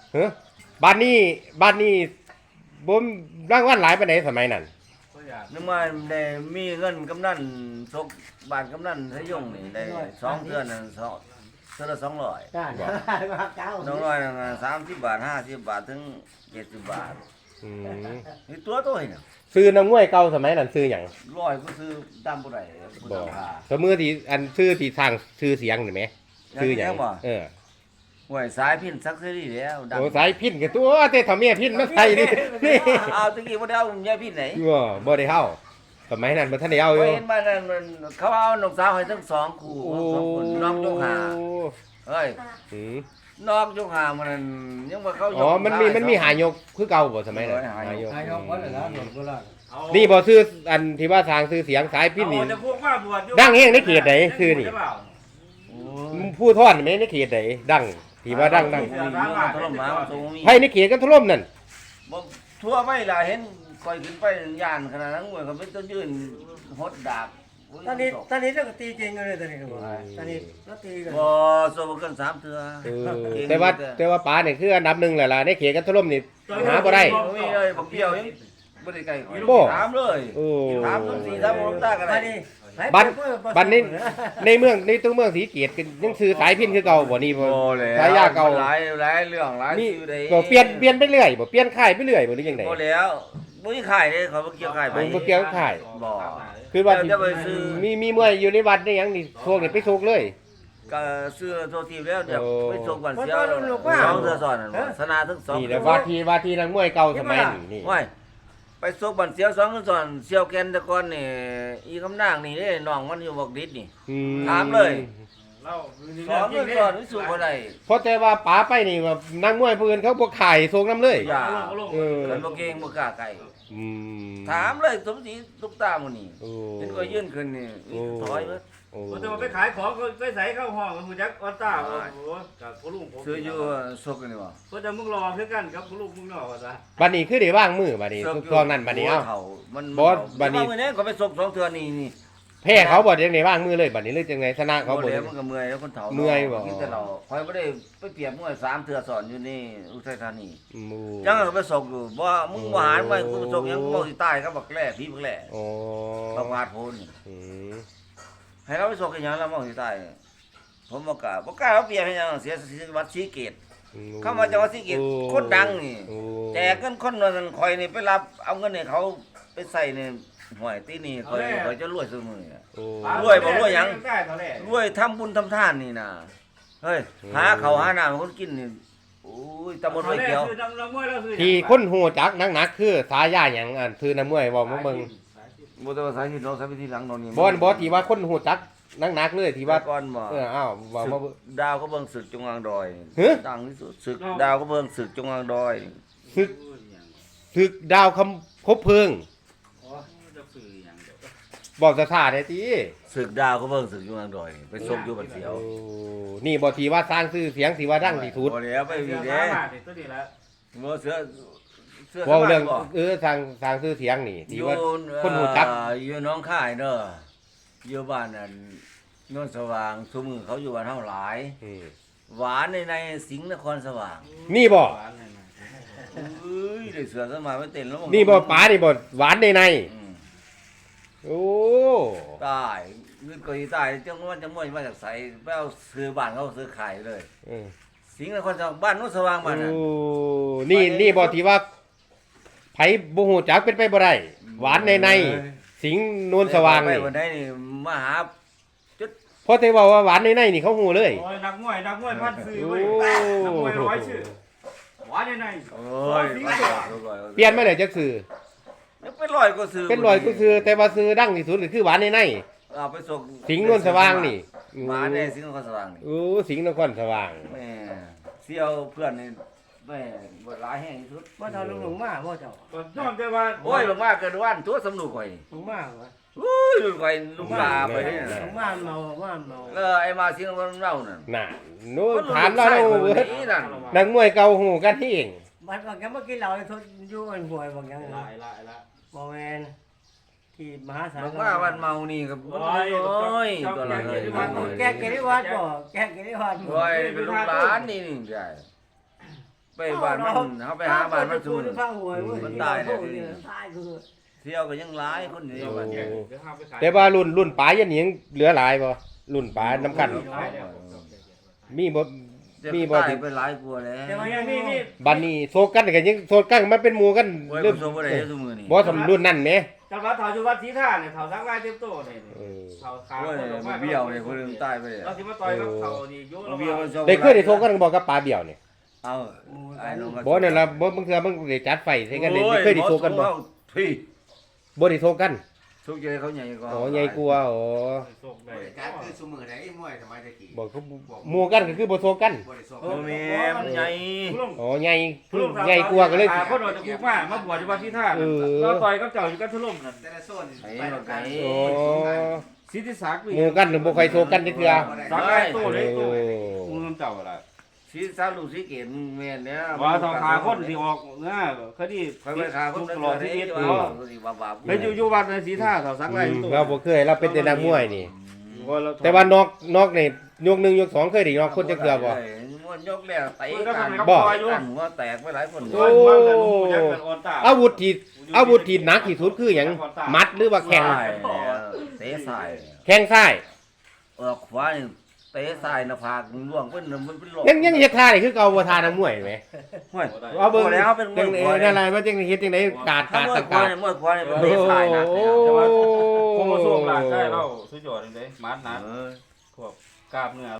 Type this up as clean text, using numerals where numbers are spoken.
เฮ้ยบ้านนี้บ่รางวัลหลายปานใดสมัยนั้นนึกว่าได้มีเงินกำนันซกบาทกำนันทะยงนี่ได้2เดือนนั่นเทื่อละ200 จ้าเก้า 200นั่น30 บาท50 บาทถึง70 บาทอืมนี่ตัวโตนี่น่ะซื้อน้ำมวยเก่าสมัยนั้นซื้อหยังร้อยก็ซื้อตามบ่ได้บ่บ่ต้องหาสมือที่อันซื้อที่สร้างชื่อเสียงนี่แหมซื้อหยังบ่เออหวยสายพินซักเสรีแล้วดังโอ้สายพินกับตัวแต่ถ้าเมียพินมาใส่นี่นี่เอาตะกี้บ่ได้เอายายพินไหนบ่ได้เฮาสมัยนั้นบ่ทันได้เอาอยู่เห็นมานั่นมันเขาเอาน้องสาวให้ทั้ง2คู่2คนน้องยกหาเฮ้ยอืมนอกยกหามันยังว่าเขายกอ๋อมันมีหายกคือเก่าบ่สมัยนั้นหายกนายกวันละหลวงพ่อละนี่บ่ซื้ออันที่ว่าทางซื้อเสียงสายพินนี่จะพวกว่าบวชดังเฮงในเขตไหนคือนี่ ผู้ทอดแม่ในเขตไหนดังที่ว่าดังถล่มมาตรงนี้ไผในเขตกันถล่มนั่นบ่ทั่วไม่ล่ะเห็นก่อยขึ้นไปย่านขนาดนั้นมวยเขาเป็นต้นยืนหดดาบตอนนี้เราก็ตีเก่งกันเลยตอนนี้ตอนนี้เราตีกันบ่สู้กัน3เทื่อแต่ว่าป๋าเนี่ยคืออันดับหนึ่งแหละล่ะในเขตกันถล่มนี่หาบ่ได้บ่มีเลยบ่เกี่ยวยังบ่ได้ไกลบ่ถามเลยโอ้ถามต้นสีถามบ่ตากันตอนได้นี้บัดนี้ในเมืองในตัวเมืองศรีเกตกันยังซื้อสายพินคือเก่าบ่นี่บ่แล้วสายยาเก่าหลายเรื่องหลายนี่ชื่อได้บ่เปลี่ยนไปเรื่อยบ่เปลี่ยนค่ายไปเรื่อยบ่หรือจังได๋บ่แล้วบ่มีขายเด้เขาบ่เกี่ยวขายไปบ่เกี่ยวกับค่ายบ่คือว่าสิเดี๋ยวไปซื้อมีมวยอยู่ในวัดได้หยังนี่พวกนี่ไปโชกเลยก็ซื้อโทรทีแล้วเดี๋ยวโอ้ไปส่งก่อนเสียว2เทื่อซ้อนนั่นบ่ชนะทั้ง2 นี่แหละว่าที่นักมวยเก่าสมัยนี่ว้ยไปส่งบันเสียว2เทื่อซ้อนเสียวแกนแต่ก่อนนี่อีคำนางนี่เด้น้องมันอยู่บอกดิษนี่ ถามเลยเรา 2เทื่อซ้อนวิสุบ่ได้เพราะแต่ว่าป๋าไปนี่ว่านักมวยผู้อื่นเขาบ่ขายโชกนํเลยอย่าเออกันบ่เก่งบ่กล้าไกลอืมถามเลยสมศรีตุ๊กตาหมื้นี้โอ้เห็นก็ยื่นขึ้นนี่ถอยเบิดโอ้จะมาไปขายของไปใส่เข้าห้องคุณจักออต้าโอ้โหกับพ่อลุงผมซื้ออยู่ซกนี่บ่เพื่อจะมึงรอคือกันครับพ่อลุงมึงรอว่าซะบัดนี้คือได้ว่างมือบัดนี้ตอนนั้นบัดนี้เอ้ามันบอสบัดนี้มื้อนี้ก็ไปส่ง2เทื่อนี่แพ้เขาบ่จังได๋ว่างมือเลยบัดนี้เลยจังได๋ชนะเขาเขาบ่บ่ได้แล้วมันก็เมื่อยแล้วคนเฒ่าเมื่อยบ่กินแต่เราคอยบ่ได้ไปเปรียบมวย3เทื่อสอนอยู่นี่อุทัยธานีหมู่จังก็ไปส่งอยู่บ่มึงบ่หารไว้กูไปส่งยังบ่สิตายครับบักแล่พี่บักแล่โอ้บักวาดโพนนี่อืมให้เราไปส่งกันหยังแล้วบ่สิตายผมบ่กล้าเอาเปรียบให้หยังเสียวัดศรีเกตเข้ามาจังหวัดศรีเกตคนดังนี่โอ้แจกเงินคนนั้นคอยนี่ไปรับเอาเงินให้เขาไปใส่ในห่วยตีนี่คอยจะรวยซุมื้อนี่โอ้ได้ตอนแรกรวยทำบุญทำทานนี่นะเฮ้ยหาเขาวหาน้ำให้คนกินนี่โอ้ยตำบลห้วยเขียวที่คนฮู้จักหนักๆคือสายาหยังอันคือน้ำมวยเว้ามาเบิ่งบ่ต้องสายที่น้องสายไปที่หลังนอนนี่บ่ที่ว่าคนฮู้จักหนักๆเลยที่ว่าก่อนบ่อ้าวว่ามาเบิ่งดาวก็เบิ่งศึกจงอางดอยฮะดังที่สุดศึกดาวก็เบิ่งศึกจงอางดอยศึกดาวคบเพลิงบอกสถานได้ติศึกดาวก็เบิ่งศึกจงอางดอยไปส่งอยู่บัดเสียวโอ้นี่บ่ที่ว่าสร้างชื่อเสียงที่ว่าดังที่สุดบ่แล้วไปวีเด้ตัวนี้แล้วบ่เสือเว้าเรื่องบ่สร้างชื่อเสียงนี่อที่ยู่ว่าคนฮู้จักอยู่หน้องค่ายเด้ออยู่บ้านนั่นโนนสว่างทุกมื้อเขาอยู่บ้านเฮาหลายอืมหวานในสิงห์นครสว่างนี่บ่เอ้ยได้เสือสมาไม่เต้นแล้วนี่บ่ป๋านี่บ่หวานในอืมโอ้ตายเงินก็สิตายจังว่าจะม่วยมาจากไสไปเอาซื้อบ้านเขาซื้อขายเลยเออสิงห์นครสว่างบ้านโนนสว่างบ้านน่ะโอ้นี่บ่ที่ว่าไผบ่ฮู้จักเป็นไปบ่ได้หวานในสิงห์นวลสว่างไปนี่วันใดนี่มาหาเพราะที่ว่าหวานในนี่เขาฮู้เลยโอ้ยนักมวยพันซื้อเว้ยนักมวยร้อยชื่อหวานยังไงโอ้ยเปลี่ยนมาได้จักซื้อเป็นร้อยก็ซื้อเป็นรอยก็คือแต่ว่าซื้อดังที่สุดก็คือหวานในเอาไปส่งสิงห์นวลสว่างนี่หวานในสิงห์นครสว่างนี่โอ้สิงห์นครสว่างแม่เสี่ยวเพื่อนนี่แม่บ่หลายแห่งที่สุดว่าเราลุงมาว่าเจ้าย้อนแต่ว่าโอ้ยบางว่าเกิดวันตัวสำนุกข่อยลุงมาวะอุ้ยลูกข่อยลูกลาไปนี่ลุน่ะงมาเมาไอ้มาสิงห์นเรานั่นน่ะโน้ถามเราแล้วเบิดนี่นั่นนักมวยเก่าฮู้กันเองบัดว่าแกเมื่อกี้เราทดอยู่อันห่วยบางอย่างละละบ่แม่นที่มหาสารบางว่าวันเมานี่ก็โอ้ยตัวละเลยแกกิริวัดบ่แกกิริวัดบ่โอ้ยเป็นลูกหลานนี่นี่ใช่ไปบ้านมันเขาไปหาบ้านมันสูงข้างหวยเว้ยมันตายเนี่ยตายคือเที่ยวก็ยังหลายคนอยู่เดี๋ยวบ้านเดี๋เนี่ยยวห้ามไปขายแต่ว่ารุ่นป๋ายันหยังเหลือหลายบ่รุ่นป๋าน้ำกัน มีบ่จะมีบ่ตายที่ไปหลายกลัวาแล้วแต่ว่ายังนี่บัดนี้โซกันก็ยังโซกันมันเป็นหมู่กันโอ้ยเริ่มผมส่งบ่ได้ซุมื้อนี้บ่สำรุ่นนั่นแหมจังหวัดเถาจุวัดศรีท่าเนี่ยเถาสักลายเต็มโตเนี่ยเออเถาขาโอ้ยคนออกมาเบี้ยวเนี่ยคนนึงตายไปเลยเราสิมาต่อยกับเถานี่โยนเบี้ยวมันส่งได้เคยได้โซกันบ่กับป๋าเบี้ยวนี่เอาไอ้น้องก็บ่นั่นล่ะบ่บางเทื่อมันได้จัดไฟใส่กันได้เคยได้โซกันบ่พี่บ่ได้โซกันสุกใจเขาใหญ่กว่าอ๋อใหญ่กว่าอ๋อส่งได้บริการคือสมือไหนมวยสมัยตะกี้บ่คือหมู่กันก็คือบ่โซกันบริสุทธิ์โอ้แม่มันใหญ่อ๋อใหญ่ใหญ่กว่าก็เลยคนออกจากคุกมาบวชอยู่วัดศรีท่าเออเราต่อยกับเจ้าอยู่กันทะลุนั่นแต่ละโซนไอ้ไปเราทำไกลการอ๋อสิทธิศักดิ์หมู่กันบ่ค่อยโซกันจักเทื่อสักลายโตเลยโตโอ้มึงเจ้าล่ะสีสาลูกสีเกตแม่นเนี่ยว่าเถาขาคนที่ออกเนี่ยคดีไปไปขาคนตตลลออดดชีที่วิตว่าเนาะบาไปอยู่วัดในศรีท่าเถาสักลายโตเราบ่เคยเราเป็นแต่นักมวยนี่ แต่ว่านอกนี่ยก1ยก2เคยได้นอกคนจักเทื่อบ่มันยกแล้วเตะกันบ่กันหัวแตกไปหลายคนโอ้ อาวุธที่หนักที่สุดคือหยังมัดหรือว่าแข้งเตะสายแข้งซ้ายขวานี่เตะสายหน้าผากล่วงเป็นมันเป็นหลอกยังเฮ็ดท่านี่คือเก่าบ่ท่านักมวยแหมห้วยเอาเบิ่งแล้วเป็นมจัวยงขวานั่นล่ะว่าจังเฮ็ดจังได๋กาดถ้ากาดมวยขวาต่างเนี่ยมวยขวาเนี่ยเป็นเตะสายนะโอ้แต่ว่าโคโมโซงหลังได้เราสุดยอดเลยมัดนะเออพวกกราบเนื้อ